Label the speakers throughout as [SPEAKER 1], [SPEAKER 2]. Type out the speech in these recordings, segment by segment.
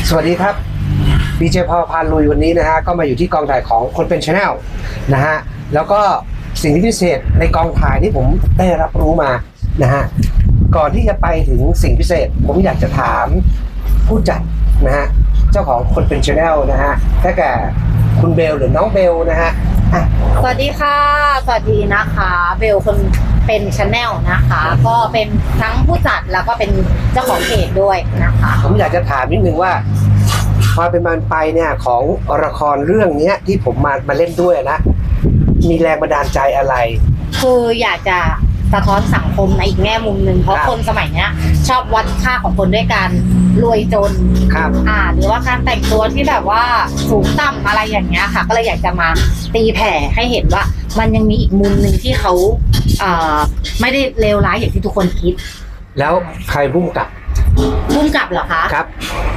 [SPEAKER 1] สวัสดีครับดีเจพอพาลุยวันนี้นะฮะก็มาอยู่ที่กองถ่ายของคนเป็น Channel นะฮะแล้วก็สิ่งที่พิเศษในกองถ่ายที่ผมได้รับรู้มานะฮะก่อนที่จะไปถึงสิ่งพิเศษผมอยากจะถามผู้จัดนะฮะเจ้าของคนเป็น Channel นะฮะได้แก่คุณเบลหรือน้องเบลนะฮะ
[SPEAKER 2] สวัสดีค่ะสวัสดีนะคะเบลคนเป็นChannelนะคะก็เป็นทั้งผู้จัดแล้วก็เป็นเจ้าของเพจด้วยนะคะ
[SPEAKER 1] ผมอยากจะถามนิดนึงว่าความเป็นมาไปเนี่ยของละครเรื่องนี้ที่ผมมาเล่นด้วยนะมีแรงบันดาลใจอะไร
[SPEAKER 2] คืออยากจะสะท้อนสังคมในอีกแง่มุมหนึ่งเพราะคนสมัยนี้ชอบวัดค่าของคนด้วยการรวยจน
[SPEAKER 1] ครับ
[SPEAKER 2] หรือว่าการแต่งตัวที่แบบว่าสูงต่ำอะไรอย่างเงี้ยค่ะก็เลยอยากจะมาตีแผ่ให้เห็นว่ามันยังมีอีกมุมหนึ่งที่เขาไม่ได้เลวร้ายอย่างที่ทุกคนคิด
[SPEAKER 1] แล้วใครพุ่งกลับ
[SPEAKER 2] เหรอคะ
[SPEAKER 1] ครับ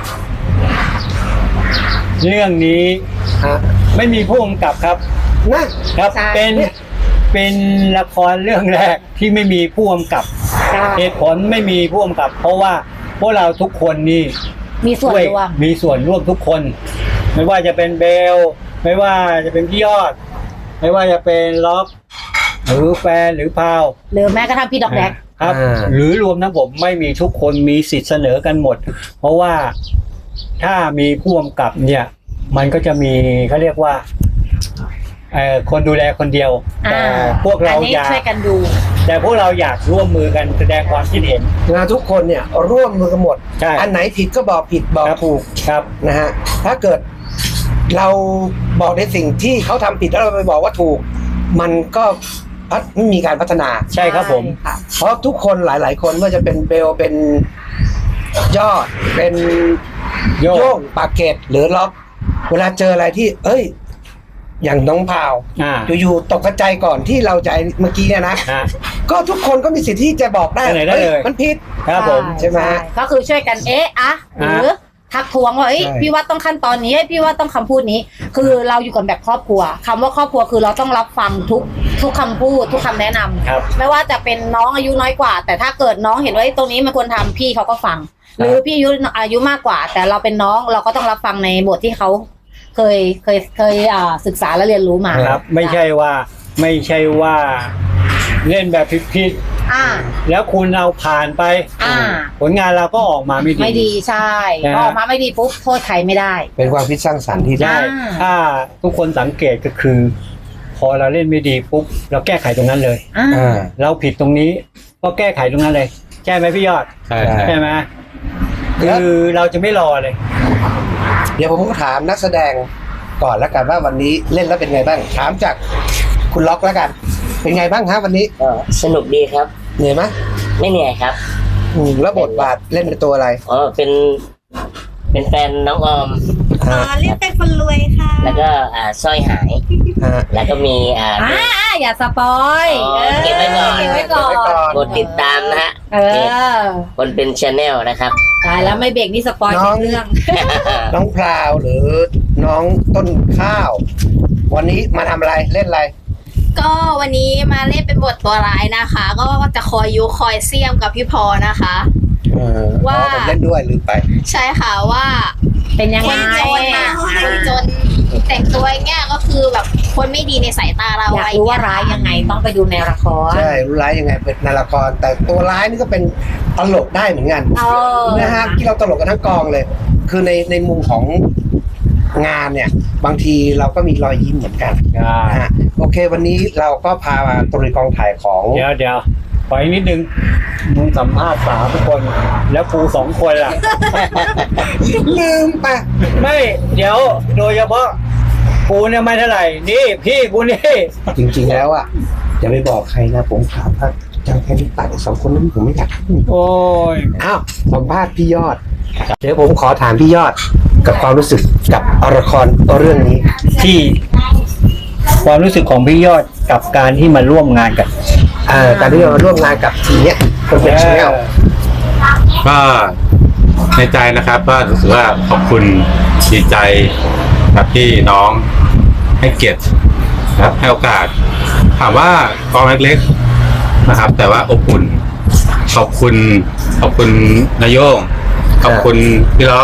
[SPEAKER 3] เรื่องนี้ไม่มีผู้กำกับครับ
[SPEAKER 1] นะครับ
[SPEAKER 3] เป็นละครเรื่องแรกที่ไม่มีผู้กำกับเหตุผลไม่มีผู้กำกับเพราะว่าพวกเราทุกคนนี่
[SPEAKER 2] มีส่วน
[SPEAKER 3] ร่วมทุกคนไม่ว่าจะเป็นเบลไม่ว่าจะเป็นพี่ยอดไม่ว่าจะเป็นล็อกหรือแฟนหรือพาว
[SPEAKER 2] หรือแม้กระทั่งพี่ดอกแดก
[SPEAKER 3] ครับหรือรวมทั้งผมไม่มีทุกคนมีสิทธิ์เสนอกันหมดเพราะว่าถ้ามีผู้กำกับเนี่ยมันก็จะมีเขาเรียกว่าคนดูแลคนเดียวแต่พวกเราอยาก
[SPEAKER 2] ช่วยกันดู
[SPEAKER 3] แต่พวกเราอยากร่วมมือกันแสดงความคิดเห็น
[SPEAKER 1] ทุกคนเนี่ยร่วมมือกันหมดอันไหนผิดก็บอกผิดบอกถูก
[SPEAKER 3] ครับ
[SPEAKER 1] นะฮะถ้าเกิดเราบอกในสิ่งที่เขาทำผิดแล้วเราไปบอกว่าถูกมันก็ไม่มีการพัฒนา
[SPEAKER 3] ใช่ครับผม
[SPEAKER 1] เพราะทุกคนหลายๆคนว่าจะเป็นเบลเป็นยอดเป็นโย่งปากเกตหรือล็อกเวลาเจออะไรที่อย่างน้องพาวอยู่ๆตกใจก่อนที่เราจะเมื่อกี้เนี่ยนะก็ทุกคนก็มีสิทธิ์ที่จะบอกได้มันผิด
[SPEAKER 3] ครับผม
[SPEAKER 1] ใช่ไหม
[SPEAKER 2] ก็คือช่วยกันหรือทักท้วงว่าพี่ว่าต้องขั้นตอนนี้พี่ว่าต้องคำพูดนี้คือเราอยู่กันแบบครอบครัวคำว่าครอบครัวคือเราต้องรับฟังทุกคำพูดทุกคำแนะนำไม่ว่าจะเป็นน้องอายุน้อยกว่าแต่ถ้าเกิดน้องเห็นว่าตรงนี้มันควรทำพี่เขาก็ฟังหรือพี่อายุมากกว่าแต่เราเป็นน้องเราก็ต้องรับฟังในบทที่เขาเคยศึกษาและเรียนรู้มา
[SPEAKER 3] ครับไม่ใช่ว่าเล่นแบบผิดแล้วคุณเราผ่านไปผลงานเราก็ออกมาไม่ดี
[SPEAKER 2] ใช่ออกมาไม่ดีปุ๊บโทษใครไม่ได้
[SPEAKER 1] เป็นความคิดสร้างสรรค์ที่ได้
[SPEAKER 3] ถ้าทุกคนสังเกตก็คือพอเราเล่นไม่ดีปุ๊บเราแก้ไขตรงนั้นเลยเราผิดตรงนี้ก็แก้ไขตรงนั้นเลยใช่ไหมพี่ยอดใช่ไหมคือเราจะไม่รอเลย
[SPEAKER 1] เดี๋ยวผมก็ถามนักแสดงก่อนแล้วกันว่าวันนี้เล่นแล้วเป็นไงบ้างถามจากคุณล็อกแล้วกันเป็นไงบ้างครับวันนี้
[SPEAKER 4] สนุกดีครับ
[SPEAKER 1] เหนื่อยไหม
[SPEAKER 4] ไม่เหนื่อยครับ
[SPEAKER 1] แล้วบทบาทเล่นเป็นตัวอะไร
[SPEAKER 4] เป็นแฟนน้องออม
[SPEAKER 2] เรียกเป็นคนรวยค่ะ
[SPEAKER 4] แล้วก็สร้อยหายแล้วก็มี
[SPEAKER 2] อย่าสปอย
[SPEAKER 4] เก็บไว้ก่อนกดติดตามนะฮะคนเป็นChannelนะครับ
[SPEAKER 2] ตายแล้วไม่เบรกนี่สปอยเรื่อง
[SPEAKER 1] น้องพราวหรือน้องต้นข้าววันนี้มาทำอะไรเล่นอะไร
[SPEAKER 5] ก็วันนี้มาเล่นเป็นบทตัวร้ายนะคะก็จะคอยยุคอยเสี้ยมกับพี่พอนะคะ
[SPEAKER 1] ว่าเล่นด้วยหรือไป
[SPEAKER 5] ใช่ค่ะว่า
[SPEAKER 2] เป็นยังไง
[SPEAKER 5] จนแต่งตัวเงี้ยก็คือแบบคนไม่ดีในสายตาเรา
[SPEAKER 2] อยากรู้ว่าร้ายยังไงต้องไปดูในละคร
[SPEAKER 1] ใช่รู้ร้ายยังไงเป็นในละครแต่ตัวร้ายนี่ก็เป็นตลกได้เหมือนกันนะฮะที่เราตลกกันทั้งกองเลยคือในมุมของงานเนี่ยบางทีเราก็มีรอยยิ้มเหมือนกันนะฮะโอเควันนี้เราก็พามาตรีกองถ่ายของ
[SPEAKER 3] เดี๋ยวไปนิดนึงมึงสัมภาษณ์3 คนแล้วกู2 คนล่ะ
[SPEAKER 1] ลืมไป
[SPEAKER 3] ไม่เดี๋ยวโดยเฉพาะกูเนี่ยไม่เท่าไหร่นี่พี่กูนี่
[SPEAKER 1] จริงๆแล้วอย่าไปบอกใครนะผมถามว่าจังแค่นี้ตัด2 คนนั้นผมไม่อยาก
[SPEAKER 3] โอ้ย
[SPEAKER 1] สัมภาษณ์พี่ยอดเดี๋ยวผมขอถามพี่ยอดกับความรู้สึกกับละครเรื่องนี้
[SPEAKER 3] ที่ความรู้สึกของพี่ยอดกับการที่มาร่วมงานกับ
[SPEAKER 1] การที่มาร่วมงานกับทีเนี้ยคนเป็นChannel
[SPEAKER 6] ก็ในใจนะครับก็รู้สึกว่าขอบคุณดีใจกับที่น้องให้เกียรตินะครับให้โอกาสถามว่ากองเล็กๆนะครับแต่ว่าอบอุ่นขอบคุณนายโยงขอบคุณพี่ล็อก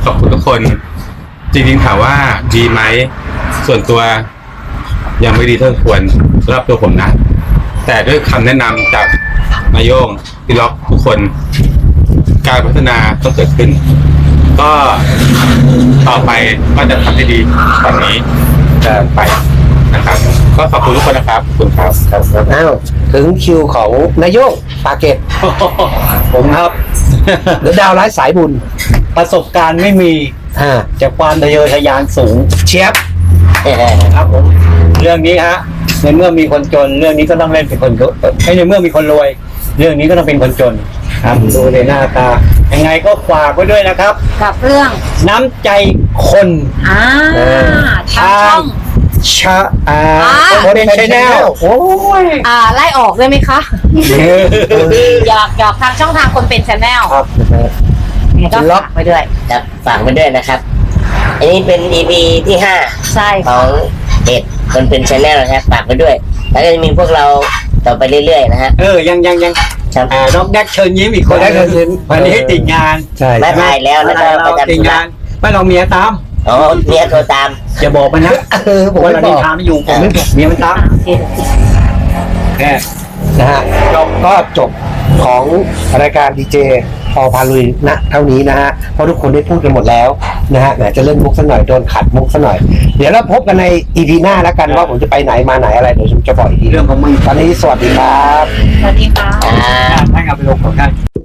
[SPEAKER 6] ขอบคุณทุกคน จริงๆถามว่าดีไหมส่วนตัวยังไม่ดีเท่าควรสำหรับตัวผมนะ แต่ด้วยคำแนะนำจากนายโยงพี่ล็อกทุกคน การพัฒนาต้องเกิดขึ้น ก็ต่อไปก็จะทำได้ดีกว่านี้จะไปนะครับ ก็ขอบคุณทุกคนนะครับขอบคุณครับ
[SPEAKER 1] อ้าวถึงคิวของนายโยงปาเกต
[SPEAKER 3] ผมครับ
[SPEAKER 1] หรือดาวร้ายสายบุญ
[SPEAKER 3] ประสบการณ์ไม่มี จากความทะเยอทะยานสูง
[SPEAKER 1] เชียบ
[SPEAKER 3] ครับผมเรื่องนี้ฮะในเมื่อมีคนจนเรื่องนี้ก็ต้องเล่นเป็นคนจนในเมื่อมีคนรวย เรื่องนี้ก็ต้องเป็นคนจนครับดูในหน้าตายังไงก็ฝากไว้ด้วยนะครับ
[SPEAKER 2] กับเรื่อง
[SPEAKER 3] น้ำใจคน
[SPEAKER 2] ทางช่อง
[SPEAKER 3] ชะอ่า
[SPEAKER 1] คนเป็นชแนลโอ้ย
[SPEAKER 2] ไล่ออกได้ไหมคะหยอกทางช่องทางคนเป็นชาแนล
[SPEAKER 1] ครับ
[SPEAKER 2] ก็ฝากไปด้วย
[SPEAKER 4] ครับฝากไว้ด้วยนะครับ อันนี้เป็น EP ที่ห้า
[SPEAKER 2] ใช่
[SPEAKER 4] ข
[SPEAKER 2] ค่ะ
[SPEAKER 4] องเพจคนเป็นชาแนลนะครับฝากไว้ด้วย แล้วก็จะมีพวกเราต่อไปเรื่อยๆนะฮะ
[SPEAKER 3] ยัง
[SPEAKER 4] ครับ
[SPEAKER 3] น้องแดกเชิญยิ้มอีกคน
[SPEAKER 1] แดกเชิญยิ้ม
[SPEAKER 3] วันนี้ติดงาน
[SPEAKER 1] ใช่
[SPEAKER 4] ไม่ถ่ายแล้วแล้วก็ประจำ
[SPEAKER 3] ติด
[SPEAKER 4] ธุระ
[SPEAKER 3] งานไม่ลองเมียตาม
[SPEAKER 4] อ๋อเมียโทรตาม
[SPEAKER 3] อย่าบอกมันนะ
[SPEAKER 1] ผม
[SPEAKER 3] ว่า
[SPEAKER 1] ไม่
[SPEAKER 3] เรา
[SPEAKER 1] บ
[SPEAKER 3] นิ
[SPEAKER 1] อก
[SPEAKER 3] ทานไม่อยู่ผมไม่บอกเมียมันตาม
[SPEAKER 2] โอเค
[SPEAKER 3] แค่
[SPEAKER 1] นะฮะก็จบของรายการดีเจพอพาลุยณเท่านี้นะฮะเพราะทุกคนได้พูดกันหมดแล้วนะฮะเดี๋ยวจะเล่นมุกสักหน่อยโดนขัดมุกสักหน่อย เดี๋ยวเราพบกันใน EP หน้าแล้วกันว่าผมจะไปไหนมาไหนอะไรเดี๋ยวผมจะบอกอีกที
[SPEAKER 3] เรื่องของมึง
[SPEAKER 1] ตอนนี้สวัสดีครับ
[SPEAKER 2] สวัสดีค่ะ
[SPEAKER 4] อ่า
[SPEAKER 3] ให้เอาไปลงของท่าน